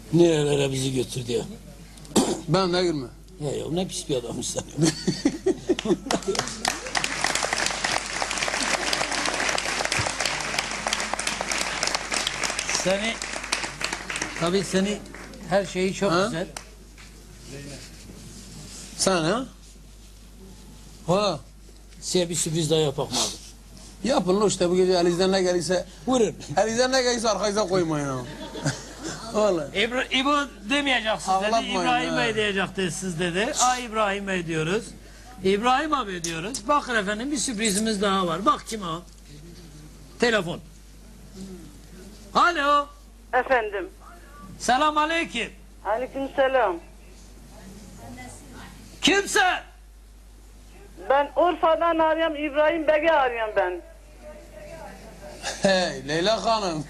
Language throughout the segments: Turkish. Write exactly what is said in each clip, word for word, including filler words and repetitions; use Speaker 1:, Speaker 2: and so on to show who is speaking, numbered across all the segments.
Speaker 1: Nerelere bizi götürdü ya.
Speaker 2: Ben de girme.
Speaker 1: Ya ya ne pis bir adammış sen. Seni, tabii seni, her şeyi çok
Speaker 2: Ha?
Speaker 1: güzel.
Speaker 2: Sen ha? Ha.
Speaker 1: Size bir sürpriz daha yapak mı abi?
Speaker 2: Yapın lan işte bu gece elinizden ne gelirse.
Speaker 1: Buyurun.
Speaker 2: Elinizden ne gelirse arkanıza koymayın ha. Vallahi.
Speaker 1: İbra İbo demeyeceksiniz dedi.
Speaker 2: Ağlatmayın
Speaker 1: İbrahim
Speaker 2: ha.
Speaker 1: Bey diyecektiniz siz dedi. Aa İbrahim Bey diyoruz. İbrahim abi diyoruz. Bakın efendim bir sürprizimiz daha var. Bak kim o? Telefon. Alo.
Speaker 3: Efendim.
Speaker 1: Selam aleyküm.
Speaker 3: Aleykümselam.
Speaker 1: Kimse?
Speaker 3: Ben Urfa'dan arıyorum, İbrahim Bey'i arıyorum ben.
Speaker 2: Hey Leyla Hanım.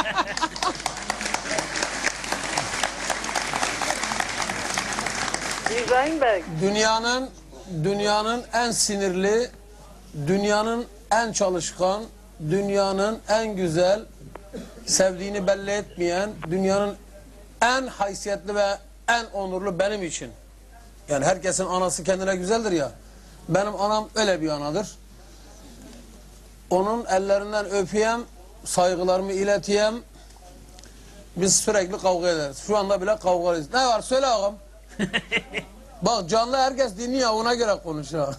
Speaker 3: İbrahim Bey.
Speaker 2: Dünyanın dünyanın en sinirli, dünyanın en çalışkan, dünyanın en güzel, sevdiğini belli etmeyen, dünyanın en haysiyetli ve en onurlu benim için. Yani herkesin anası kendine güzeldir ya. Benim anam öyle bir anadır. Onun ellerinden öpeyim, saygılarımı ileteyim. Biz sürekli kavga ederiz. Şu anda bile kavga ederiz. Ne var söyle ağam. Bak canlı herkes dinliyor, ona göre konuş ha.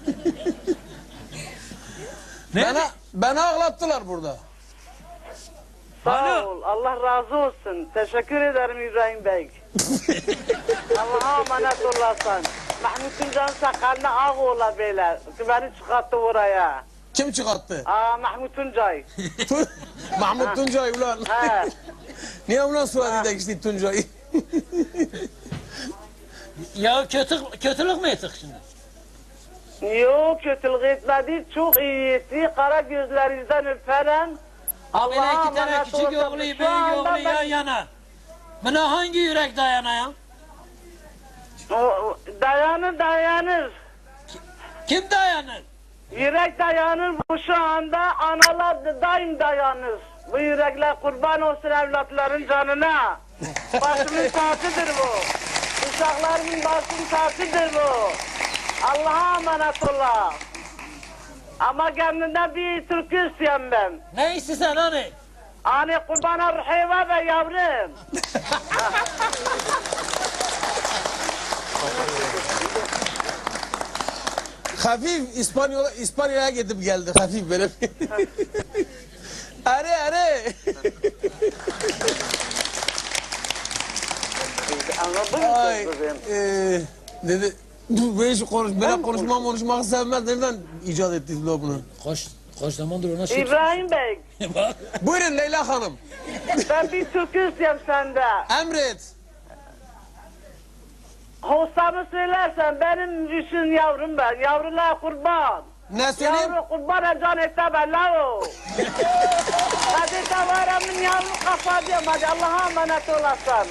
Speaker 2: beni, beni ağlattılar burada.
Speaker 3: Sağ
Speaker 1: Alo.
Speaker 3: ol. Allah razı olsun. Teşekkür ederim İbrahim Bey. Allah'a emanet olasın. Mahmut Tuncan sakalına ağ ola beyler. Beni çıkarttı oraya.
Speaker 2: Kim çıkarttı?
Speaker 3: Aa Mahmut Tuncay.
Speaker 2: Mahmut Tuncay ulan.
Speaker 3: He.
Speaker 2: Niye ulan Suadi'de geçti Tuncay?
Speaker 1: Ya kötü, kötülük mü ettik şimdi?
Speaker 3: Yok kötülük etmedi. Çok iyisi. Kara gözlerinizden öperim.
Speaker 1: Abi
Speaker 3: Allah'a
Speaker 1: iki tane
Speaker 3: emanet
Speaker 1: küçük
Speaker 3: olsun.
Speaker 1: oğlu,
Speaker 3: Şu
Speaker 1: büyük
Speaker 3: anda
Speaker 1: oğlu
Speaker 3: ben-
Speaker 1: yan yana. Buna hangi yürek dayanaya?
Speaker 3: O- Dayanır dayanır.
Speaker 1: Kim dayanır?
Speaker 3: Yürek dayanır bu şu anda, analar da daim dayanır. Bu yürekler kurban olsun evlatların canına. Başımın tacıdır bu. Uşaklarımın başının tacıdır bu. Allah'a emanet ola. Ama kendinden bir türkü isteyen ben.
Speaker 1: Ne istiyorsun hani?
Speaker 3: Hani kurbana ruheva ve yavrum.
Speaker 2: Hafif İspanyol İspanya'ya gidip geldi hafif böyle. Are are.
Speaker 3: Anladın mı
Speaker 2: Ay,
Speaker 3: kızım?
Speaker 2: e, dedi. Dur ben şu konuş, böyle konuşmam konuşmak sevmez. Nereden icat ettiniz la bunu?
Speaker 1: Koş, koş zamandır ona şey.
Speaker 3: İbrahim Bey,
Speaker 1: Bak.
Speaker 2: Buyurun Leyla Hanım.
Speaker 3: ben bir türkü isteyeyim senden.
Speaker 2: Emret.
Speaker 3: Hossamı söylersen benim için yavrum ben. Yavrular kurban.
Speaker 2: Ne söyleyeyim?
Speaker 3: Yavru kurban can ette bella o. Hadi tavaramın yavru kafa diyorum. Hadi Allah'a emanet olasın.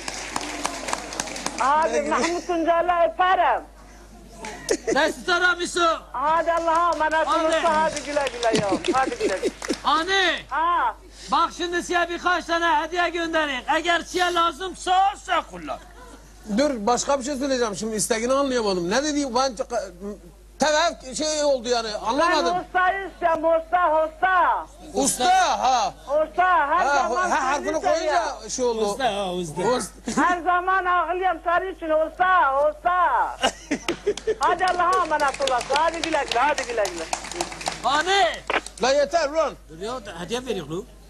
Speaker 3: Hadi Mahmut Tuncay'la öperim.
Speaker 1: Ne istiyorsun abisi?
Speaker 3: Hadi Allah'a emanet
Speaker 1: Hadi.
Speaker 3: olasın. Hadi güle güle ya. Hadi güle güle.
Speaker 1: Hani?
Speaker 3: Ha.
Speaker 1: Bak şimdi size birkaç tane hediye göndereyim. Eğer size lazımsa sen kullan.
Speaker 2: Dur başka bir şey söyleyeceğim. Şimdi isteğini anlayamadım. Ne dedi? Ben tevaf şey oldu yani
Speaker 3: Ben
Speaker 2: anlamadım.
Speaker 3: ustayı istiyorum. Usta, usta.
Speaker 2: Usta ha.
Speaker 3: Usta her
Speaker 2: Ha,
Speaker 3: zaman
Speaker 2: ha harfini
Speaker 3: seni
Speaker 2: koyunca
Speaker 3: seviyorum.
Speaker 2: şey oldu.
Speaker 1: Usta ha usta.
Speaker 2: Usta.
Speaker 3: Her zaman ağlıyorum senin için usta, usta. Hadi Allah'a emanet olasın. Hadi güle güle, hadi güle güle.
Speaker 1: Hani?
Speaker 2: La yeter lan.
Speaker 1: Dur ya hediye veriyor lu.